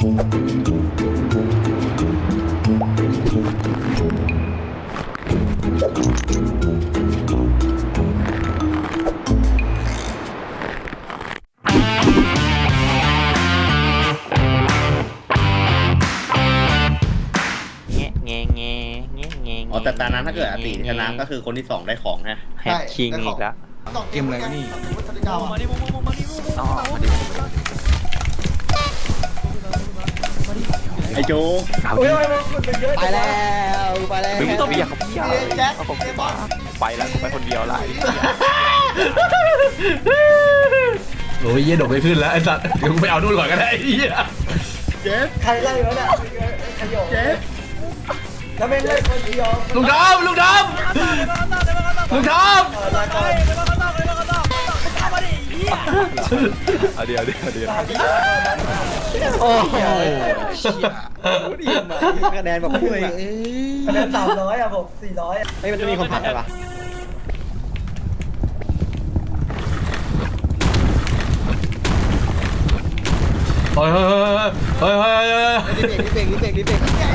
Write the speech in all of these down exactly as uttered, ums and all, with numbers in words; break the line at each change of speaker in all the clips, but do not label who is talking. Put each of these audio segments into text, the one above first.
อ๋อแต่ตอนนั้นถ้าเกิดอาติชนะก็คือคนที่สองได้ของฮะ
แฮกคิงอีกแล้ว
เกมอะไรนี่
มาดิมาดิอ๋อมาดิ
ไอ้โจ๊ก
ไปแล้วไปแล้วไม่ต้องอยากเขาพี่แจ็คผมไปแล้วไปคนเดียวไร
โอ้ยเยี่ยดกไม่ขึ้นแล้วไอ้สัตว์เดี๋ยวมึงไปเอานู่นก่อนก็ได้ไอ้เหี้ย
เจ๊
ใครไล่วะเนี่ยขยโยเจ๊แล้วไม่เล่นคนเดียว
ลุงดำลุงดำลุงดำ
เอาเดี๋ยวเดี๋ยวเดี๋ยว
โอ้โห
ดีมาคะแนนแบบพุ่งอ่ะ
คะแนนสามร้อยอ่ะผมสี่ร้อย
ไอ้มันจะมีคนผัดอะไรปะ
เฮ้ยเฮ้ยเฮ้ยเฮ้ยเฮ้ย
รีบเบรกรีบเบรกรีบเบรกรีบเบรก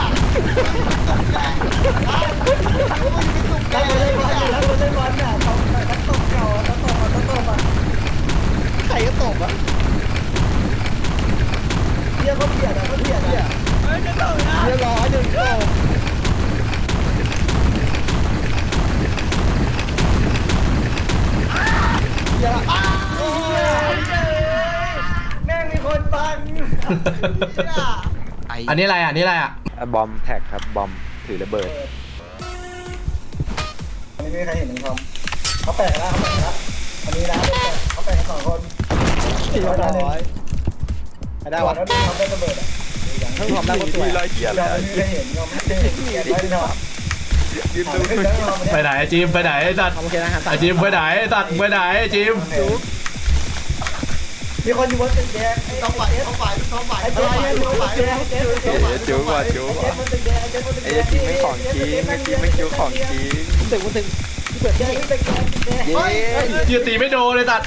ได้เลยแล้วคนเล่นบอลเนี่ยเขานักตบเก่านักตบนักตบอ่ะ
ใครก็ตบอ่ะ
เที่ยเขาเบียดอ่ะเขาเบียดอ่ะ
เฮ้ยจะตบนะเรียบร้อยหนึ่งตบ
อย่าแม่งมีคนฟัง
อันนี้อะไรอ่ะนี่อะไรอ่ะ
บอมแท็กครับบอมถือระเบิด
อันนี้ไม่มีใครเห็นหนึ่งคำเขาแปะแล้วเขาแปะแล้วอันนี้นะเขาแปะกันสองคนสี่ร้อยได้วะแล้วทำได้ระเบิดอ่ะ
ทั้งความได้ก็สวยร้อยเกียร์เลย
ไม่เคยเห็นเราไม่เคยเห็นเกียร์ได้เนาะ
ยืนดู
ไปไหนจิมไปไหนไอ้สัตว์ไอ้จิมไปไหนไอ้สัตว์ไปไหนจิม
มีคนอยู่บนตึกแดงต้องฝ่ายต้องฝ่ายต้องฝ่ายไอ้เจ๊ต้องฝ่ายเจ๊
จูว่ะจูว่ะไอ้จริงไม่ของจริงไม่จริงไม่จูของจริงตึกมันตึก
เปิดแดงตึกแดง
เย้ยืนตีไม่โดนเลยตัด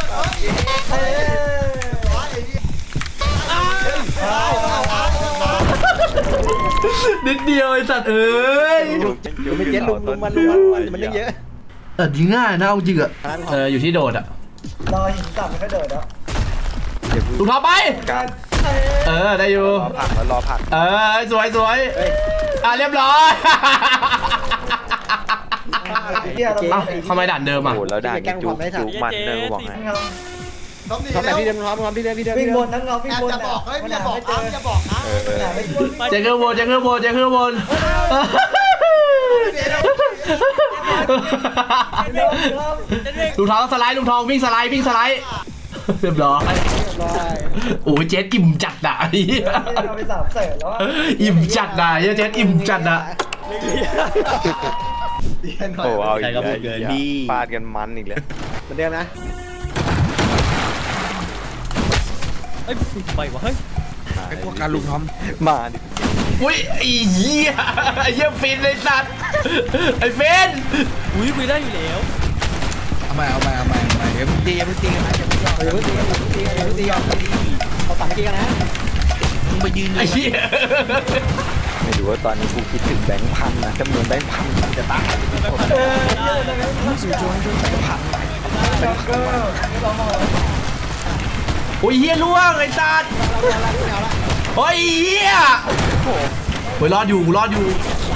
นิดเดียวไอ้สัตว์เอ้ย
จูไม่เจ๊ลุมลุมมันลุมมันมันเยอะ
แต่ยิงง่ายนะเอาจริงอะเอออยู่ที่โดดอะ
รอหินตับมันก็โดดแล้ว
ถูกทอไปเออได้อยู่
รอผักแล้วรอผัก
เออสวยสวยอ่ะเรียบร้อยทำไมด่านเดิมอ่ะ
โอ้แล้วด่านจุกจุกมันเนอะบอกไงทำแบบพี่เดิมทำทำพี่เดิมพี่เดิม
วิ่งบนทั้งเราวิ่งบน
จะบอกเฮ้ยอย่าบอกนะอย่าบอกนะ
เจ๊เครื่องบนเจ๊เครื่องบนเจ๊เครื่องบนลุงทองสไลด์ลุงทองวิ่งสไลด์วิ่งสไลด์เรียบร้อยโอ้ยเจ๊อิ่มจัดอ่ะอิ่มจัดอ่ะเจ๊อิ่มจัดอ่ะ
โอ้เอาอีกแล้วฟาดกันมันอีกแล้วเหมือนเดิมนะเอ้ยไปวะเฮ้ย
ไอ้พวกการลุงทอม
มาดิ
อุ้ยไอ้เหี้ยไอ้เหี้ยฟินเลยสัตว์ไอ้ฟิน
อุ้ยคุยได้อยู่แล้ว
เอาใหม่เอาใหม่เอาใหม่เอาใหม่อย่าเพิ่งตีอย่าเพิ่งตีกันนะอย่าเพิ่งตีอย่าเพิ่งตีอย่าเพิ่งตีอย่าเพิ่งตี
เขาตัดตีกันนะ
มึงไปยืน
ไอ้เหี้ย
ไม่รู้ว่าตอนนี้กูคิดถึงแบงค์พันนะจำนวนแบงค์พันมันจะตั้ง
สู่โจนด้วยแบงค์พันแบงค์พัน
โอ้ยเหี้ยล่วงไอ้สัตว์โอ้ยเหี้ยโอ้ยรอดอยู่รอดอยู่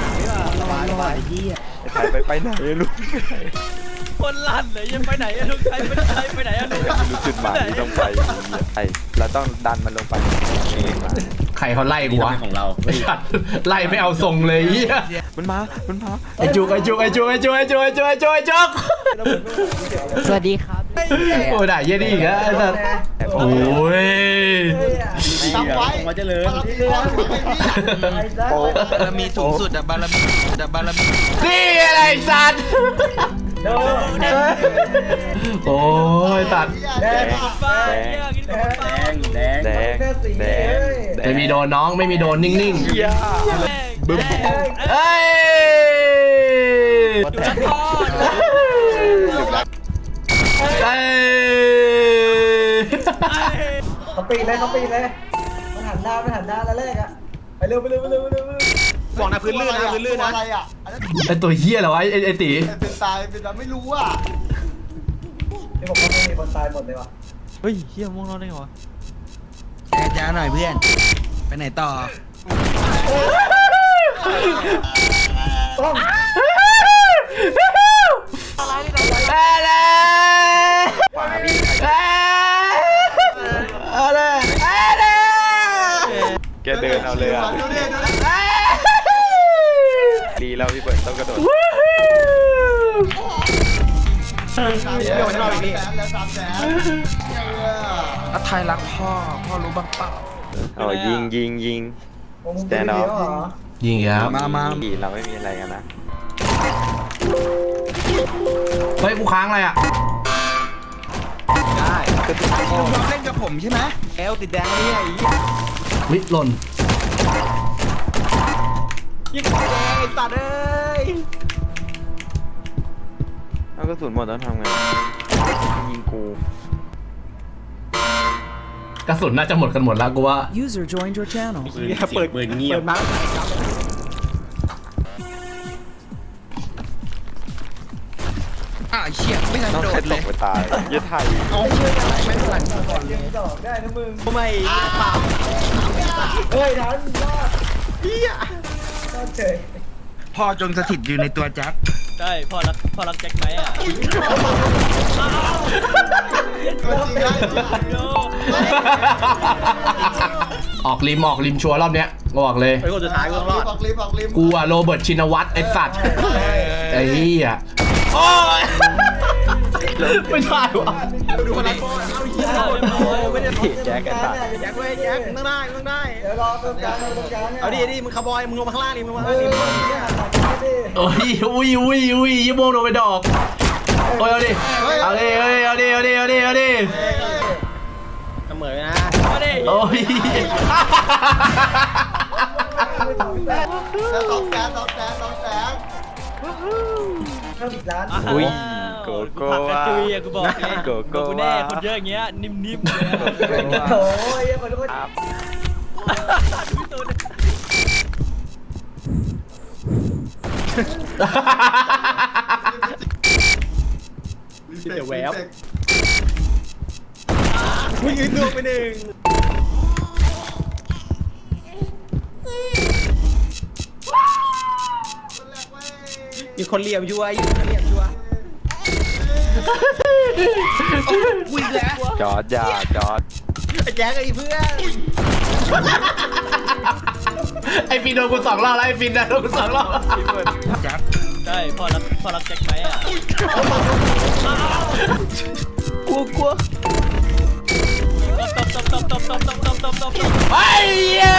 ไปไปไหนลูก
คนลั่นเลยยังไปไหนอะลูกใครไปไหนไปไหนอะลูก
ไม่รู้จุดหมายที่ต้องไปไอเราต้องดันมันลงไปเองมา
ใครเขาไล่กูวะ
ของเรา
ไล่ไม่เอาทรงเลยเหี้ย
มันมามันมา
ไอจุกไอจุกไอจุกไอจุกไอจุกไอจุกไอจุกไอจุก
สวัสดีครับ
โอ้ยได้เยี่ยดีอีกแล้วโอ้ย
ทำไว้มาเจริญ
บารมีสูงสุดอะบารมีอะบารมี
นี่อะไรสัตว์โอ้ยตัด
แดงแดงแดงแดง
ไม่มีโดนน้องไม่มีโดนนิ่งๆบึ้มเฮ้ยเฮ้ย
เขาปีนเลยเขาปีนเลยมันหันหน้าน้าไปหันหน้าแล้วแรกอะไปเร็วไปเร็วไปเร็วไปเร็ว
บอกนะพื้นลื่นนะพื้นลื่นนะ
อะไรอ่ะอันนั้น
ไอตัวเฮียเหรอวะไอไอตี
เป็นตายเป็นแบบไม่รู้อ่ะนี่ผมว่าไม่มีคนตายหมดเลยว่ะ
เฮ้ยเฮียม่วงนอนได้ไงวะ
แจ้จ้าหน่อยเพื่อนไปไหนต่อ
ต้อง
อะไรอะไรอะไร
แกเดินเอาเลยอ่ะดีแล้วพี่เบิร์ดต้องกระโดด
เดี๋ยวมันรออีกนี่
แล้วสามแสน
อาไทยรักพ่อพ่อรู้บ้างเปล่า
เอายิงยิงยิง
แตนด์ออฟเหรอ
ยิงครับ
มามา
ดีเราไม่มีอะไรกันนะ
เฮ้ยกูค้างอะไรอ่ะ
ได้
ลุงทองเล่นกับผมใช่ไหม
แอลติดแดงนี่ไอ้
วิหล่น
ยิงแดงไอ้สัตว์เอ้ย
เอากระสุนหมดแล้วทำไงยิงกู
กระสุนน่าจะหมดกันหมดแล้วกูว่า
User joined your channel.
ปืนเสียงปืนเงียบ
เปิดมา
อ่ะเชี่ยไม่ทัน
ต้อง
โด
ใคร
ด
ต
เล
ก
ย
ไปตายยืดไทย
เอาเชื่ออะไรไม่หลังก่อนยังดอกได้นะมึง
ทำไมเปล่า
เฮ้ยทันรอดเฮียรอดเฉย
พ่อจงสถิตอยู่ในตัวแจ็ค
ใช่พ่อรักพ่อรักแจ็คไหมอ่ะ
ตัวจริงได้
โย
ออกริมออกริมชัวร์รอบเนี้ยกูบอกเลย
ไปคนสุดท้ายกูต้องรอด
ออกลิฟต์ออกลิฟต์
กูอะโรเบิร์ตชินวัตรไอสัตว์ไอ้เหี้ยโอ้ยไม่ได้วะ
ดูคนรักพ่อเอาเฮียไม่ได้
แจ็คกันตาย
แจ็คเว้ยแจ็คมึงต้องได้มึงต้องได้
เดี๋ยวรอตรงกลางตรงกลางเนี่ย
เอาดิดิมึงคาร์บอยมึงลงมาข้างล่างดิมึงมา
เอ
ข้างล่าง
อ
ดิ
เนี่ยตัดดิ
โอ้ยอุ้ยอุ้ยอุ้ยยี่โมงโดนไปดอกโอ้ยเอาดิเอาดิเอาดิเอาดิเอาดิเอาดิ
เสมอนะมาดิ
โอ้ย
แล้วสองแสนสองแสนสองแสนเพิ่มอีกล้าน
อุ้ยโกโก้
ผักกระจุยอะกูบอกเลย
โกโก้
กูแน่คนเยอะอย่างเงี้ยนิ่มๆเลย
โอ้ยคนทุกคน
ครับ
พี่ตูน
เดี๋ยวแวบ
มึงยืนดูไปหนึ่ง มีคนเหลี่ยมชัวร์อยู่คนเหลี่ยมชัวร์
อุ้ยแล้ว
จอดยาจอด
ไอ้แจ๊คไอ้เพื่อน
ไอฟินโดนกูสองรอบแล้วไอฟินนะโดนกูสองรอบ
พี่เบิร์ด
แจ็ค
ใช่พ่อรักพ่อรักแจ็คไหมอ่ะ
กลัวกลัว
ตบตบตบตบตบตบตบตบตบ
ไอ้เหี้ย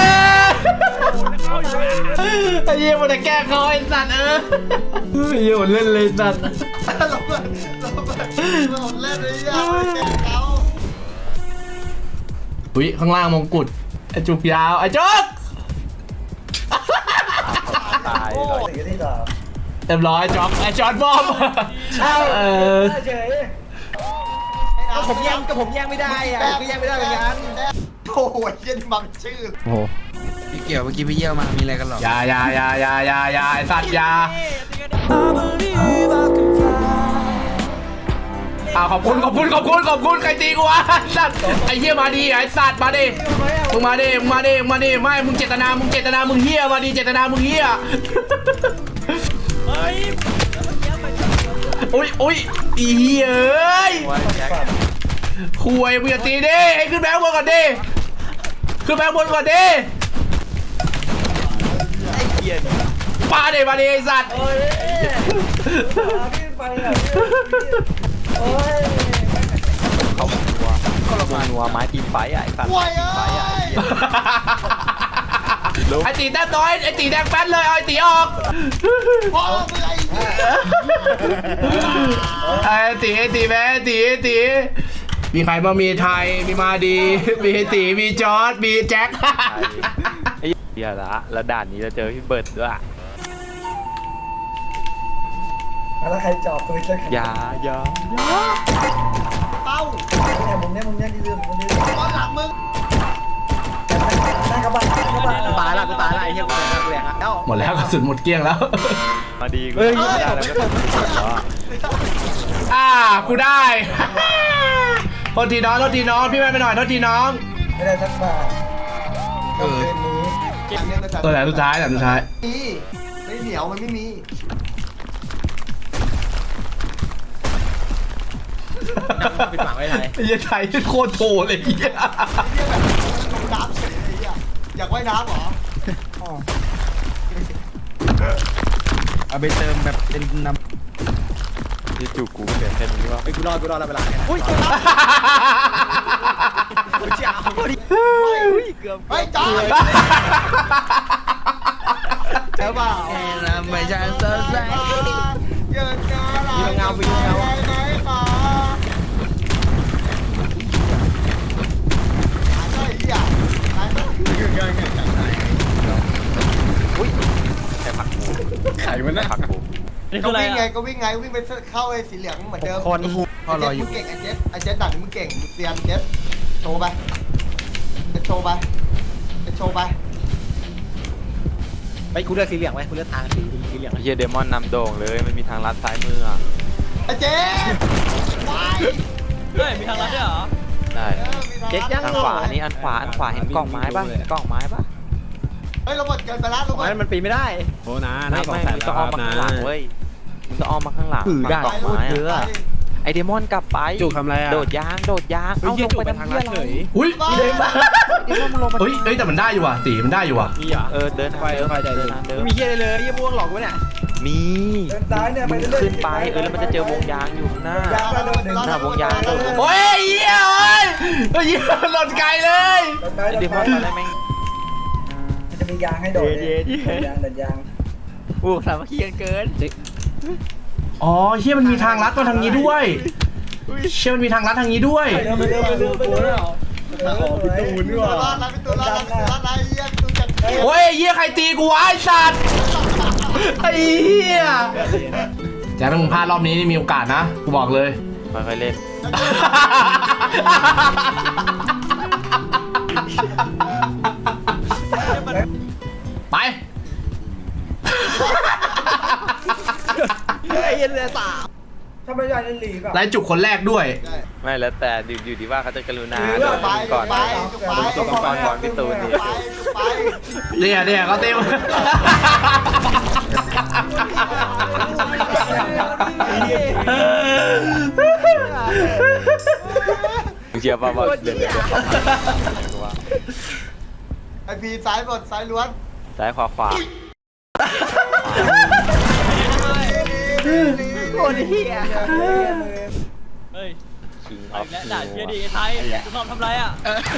ไอ้เหี้ยมันจะแก้เขาไอ้สัตว์เออไอ้เหี้ยมันเล่นเลยสัตว์
เราเปิดเราเปิดเราเล่นเลยยังไม่เก่งเขา
อุ้ยข้างล่างมงกุฎไอจุกยาวไอจุก
ตายเลย
สิ่งที่สาม
เรียบร้อยจ็อกไอจอร์ดบอมเออ
เฉย
ก็ผมแย่งก็ผมแย่งไม่ได้อ่ะก็แย่งไม่ได้เหมือนกัน
โอ้โหเย็นบังชื่อ
โอ้
พี่เกี่ยวเมื่อกี้พี่เยี่ยวมามีอะไรกันหรอ
ยายายายายายาไอสัตว์ยาอ่าขอบคุณขอบคุณขอบคุณขอบคุณใครตีกูวะไอ้สัตว์ไอเหี้ยมาดีไอสัตว์มาดิมึงมาดิมึงมาดิมึงมาดิไม่มึงเจตนามึงเจตนามึงเหี้ยมาดิเจตนามึงเหี้ย
เฮ้ย
อุ้ยอุ้ยอีเหี้ยเอ้ย
ว่าแจ็ค
คุยมึงอย่าตีดิไอ้ขึ้นแบงค์บนก่อนดิขึ้นแบงค์บนก่อนดิ
ไอ้เกียร์
มาดิมาดิไอสัตว์
โอ้ยพี่ไปอ่ะโอ้ย
เขานัวเขาละมานัวไม้ตีไฟอ่ะไอ้สัตว์
ป่วย
ตี
เอ้
ไฟอ่ะ
ย
ไอตีแต้มน้อยไอตีแดงแป๊ดเลยเอาไอตีออก
พ่อมึงไอ้เหี้ย
ไอตีไอตีแม่ไอตีไอตีมีใครบ้างมีไทยมีมาดีมีไอตีมีจอร์ดมีแจ็ค
ไอ้เหี้ยละแล้วด่านนี้เราเจอพี่เบิร์ดด้วย
แล้วใครจอบปืนแล้ว
ยาอยา
เป้าเนี่ยมึงเนี่ยมึงเนี่ยที่ยืนมึงยืนตอนหลังมึงหน้ากระบะหน้ากระบะ
กูตายละกูตายละไอ้เหี้ยกูตายละกูแหลกละแล้ว
หมดแล้วกระสุนหมดเกลี้ยงแล้ว
มาดีกูไม่ได้แล้วก็ต้องสุดแล้ว
อ่ากูได้โทษทีน้องโทษทีน้องพี่แม่ไปหน่อยโทษทีน้อง
ไม่ได้สักบาทเออนี้
ตัวไหนสุดท้ายแต่สุดท้าย
มีไม่เหนียวมันไม่มี
ปิดปากไว้ไทย
ไอ้เหี้ยไทยโคตรโถเลยไอ้เหี้ย
ลงน้ำเฉยไอ้เหี้ยอยากว่ายน้ำเหรอ
เอาไปเติมแบบเป็นน้
ที่จูกูเหลือแค่นี้ว่า
ไอ้กูรอดกูรอดแล้วเวลาเนี่ยอุ้ยกูจะเอาพอดีอุ้ยเกือบ
เฮ้ยจ้า
เจ้าบ่าว
ำแค่น้ำไม่ใช่เซอร์ไซ
เยินงาอะไรไหนมาไอ้เหี้ยไอ้
อุ้ยแค่ผักกูไข่มันนะผักกู
ก็วิ่งไงก็วิ่งไงวิ่งไปเข้าไอ้สีเหลืองเหมือนเดิม
คน
พ่อรออยู่
มึงเก่งไอ้เจ็ดไอ้เจ็ดดักมึงเก่งเซียนเจ็ดโชว์ไปโชว์ไปโชว์ไป
ไปกูเลือกสีเหลืองไว้กูเลือกทางสีสีเหลือง
เฮียเดมอนนำโด่งเลยมันมีทางลัดซ้ายมืออ่ะ
ไอ้เจ๊ไป
เฮ้ยมีทางลัดด้วยเหรอ
ได้
เจ๊ยัง
ทางขวานี่อันขวาอันขวาเห็นกล่องไม้ป่ะเห็นกล่องไม้ป่ะ
เฮ้ยเราหมดเกินไปแล้วเราหม
ไม้
ด
มันปีนไม่ได้
โอ้นะ
ไม่
นะสอง
ไม่
แสน
มึง
แล้
ต้
ว
อง
ค
อ้อ
รั
ม
บ
มา
นะ
ข้างหลังเว้ยมึงต้องอ้อมมาข้างหลัง
ถือได้
ฝั่งกล่องไม้อะไอเดมอนกลับไป
จุกทำอะไรอ่ะ
โดดยางโดดยาง
เฮ้ย
เอา
เยี่
ล
ย
ง
จุก
ไป
ไป
ทำ
ทาง
เหี้
ลั
ย
ด
อะไร
เฉย
อุ้ย
เดมอนมึงลงไป
เฮ้ยเฮ้ยแต่มันได้อยู่ว่ะสีมันได้อยู่ว่ะ
นี่เหรอ
เออเดินไปเดินไปเดินเดิน
ไม่มีเหี้ยเลยยี่ม่วงหลอกกูเนี่ย
มี
เดินซ้ายเนี่ยไป
มึง
เรื่อยๆ
ขึ้นไปเออแล้วมันจะเจอวงยางอยู่ข้างหน้า
ยางมาโดน
หน้าวงยางโดดลง
โอ้ยเหี้ยเอ้ยเฮ้ยเหี้ยหล่นไกลเลย
ไอเดมอนตอนแรกแม่ง
มันจะมียางให้โดดเดินยางเดินยาง
อู้สามัคคีกันเกิน
อ๋อเหี้ยมันมีทางลัดมาทางนี้ด้วยเชี่ยมันมีทางลัดทางนี้ด้วย
ไปเร็วไปเร็วไปเร็วไปเร็วขอพี่ตูนด้วยว่ะพี่ตูนรอดพี่ตูนรอดนะเยี่ยมตูนจัด
โอ้ยเหี้ยใครตีกูวะไอ้สัตว์ไอ้เหี้ยแจ็คถ้ามึงพลาดรอบนี้นี่มีโอกาสนะกูบอกเลย
ค่อยๆเล่น
ไป
ไอ้เหี้ยเลยสาม
ถ้าไม่ได้เล่นลีแบบ
ไล่จุกคนแรกด้วย
ไม่แล้วแต่อยู่อยู่ที่ว่าเขาจะกรุณา
ไป
โดด
ไป
ก่อน
ไป
ผมต้องก่อนก่อนพี่ตูนดิ
ไป
เนี่ยเนี่ยเขาเต็ม
มึงเชื่อป่ะว่าเดินเดินว่า
ไอพีซ้ายบนซ้ายล้วน
ซ้ายขวาขวา
โคตรเหี้ย
เฮ้ย
คิงอ
เอา
อฟ
อีกแล้วด่าเฮียดีไอ้ไทยคุณทอมทำไรอ่ะ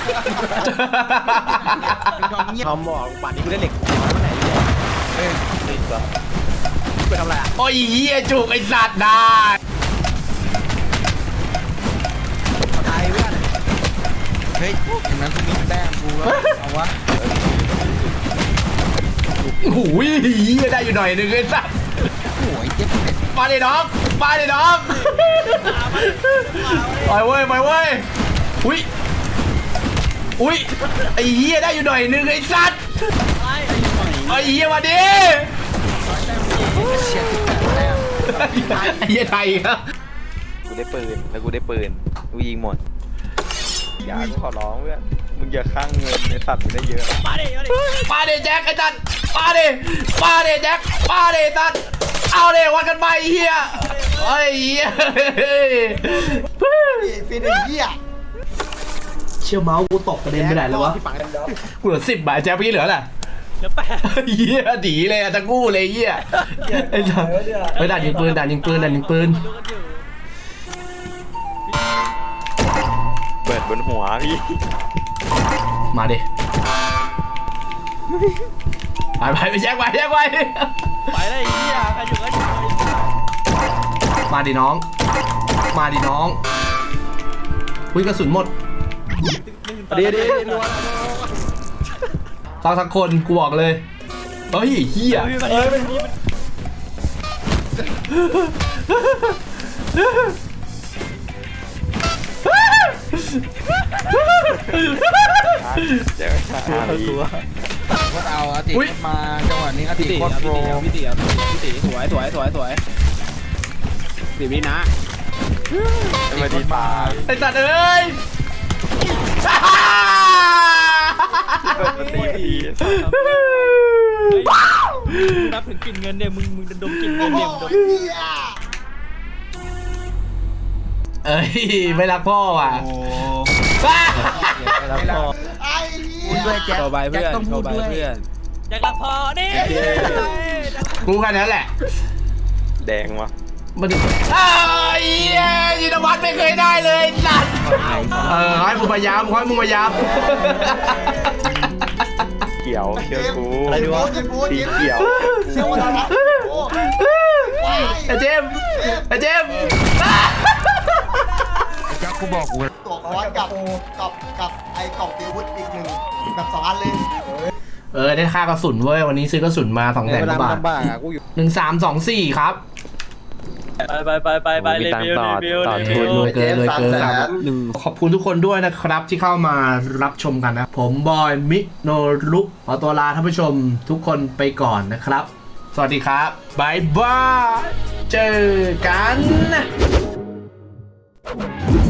ทอมบอกป่านนี้กูได้เหล็กเมื่อไหร่เนี่ย
ติดป่ะ
ไปทำอะไรอ่ะ
โอ้ยเหี้ยจุกไอ้สัตว์ได้
ตายเพื่อน
เฮ้ยอย่างนั้นกูมีแต้มกูก็เอาวะ
โอ้โหเหี้ยได้อยู่หน่อยนึงไอ้สัตว์
โอ้ยเจ็บเลย
มาดิน้องมาดิน้องไปเว้ยไปเว้ยอุ้ยอุ้ยไอ้เหี้ยได้อยู่หน่อยนึงไอ้สัตว์ไอ้เหี้ยมาดิ
เชียร์ที่แปดแต้ม
ไอ้เหี้ยไทยครับ
กูได้ปืนแล้วกูได้ปืนกูยิงหมดอย่ากูขอร้องเพื่อนมึงอย่าข้างเงินในสัตว์มึงได้เยอะ
มาดิมาดิ
มาดิแจ็คไอ้สัตว์มาดิมาดิแจ็คมาดิสัตว์เอาดิวัดกันไปไอ้เหี้ยไอ้เหี้ย
ฟีนเหี้ย
เชี่ยวเมาส์กูตกกระเด็นไปไหนแล้ววะ
พี่ปัง
กูเหลือสิบบาทแจ็คพี่เหลือแหละ
เหลือแปด
เหี้ยดีเลยอะตะกู้เลยเหี้ยไอ้สัสเฮ้ยด่านยิงปืนด่านยิงปืนด่านยิงปืน
ดูกันอยู่
เปิดบนหัวพี่
มาดิไปไปไปแยกไปแยกไป
ไปเลยไอ้เฮียใครอยู่ก็อยู่
มาดิน้อง มาดิน้องอุ้ยกระสุนหมด
เดี๋ยวเดี๋ยวรัว
สักสักคนกูบอกเลยเฮ้ยเหี้ย
เฮ้ยมันมีมัน
เจออาลี
ก็เอาอาติมาจังหวะนี้อาติ
พี่ตี
โคตรโปร
พี่ตีพี่ตีสวยสวยสวยสวยสิบวินะ
มาดีตาย
ไอ้สัตว์เอ้ย
เปิดประตูที
นับถึงกลิ่นเงินเนี่ยมึงมึงดมกลิ่นเงินเนี่ยมึงดม
เอ้ยไม่รักพ่อว่ะ
แล้วก็
พูดด้วยแจ็ค
โชว์ใบ
แจ็
เพื่
ค
อน
ต้อง
โช
พูด
ว์ใบ
ด้วย
เพื่อน
อยากรักพอนี่
กูแค่นั้นแหละ
แดงวะ
มันถึงไอ้ยยินวัฒน์ไม่เคยได้เลยสัตว์เออให้มึงพยายามให้มึงพยายาม
เขียวเขียวกู
อะไรดีวะ
สีเขียว
เชื่อว่าเราละโอ้
ไอ้เจมส์ไอ้เจมส์
แจ็คกูบอกกู
ตัวคอร์สกับกับกับไอ้กล่องตีอาวุธอีกหนึ่งแบบสองอันเลย
เออได้ค่ากระสุนเว้ยวันนี้ซื้อกระสุนมาสองแสน
เวลาก
ว่าบาท
ลำบากอ่ะกูอยู่
หนึ่งสามสองสี่ครับ
ไปไปไปไปไปรีวิวรีวิวรีวิว
รวยเกินรวยเกิน
หนึ่ง
ขอบคุณทุกคนด้วยนะครับที่เข้ามารับชมกันนะ ผมบอยมิโนรุขอตัวลาท่านผู้ชมทุกคนไปก่อนนะครับ สวัสดีครับบายบายเจอกัน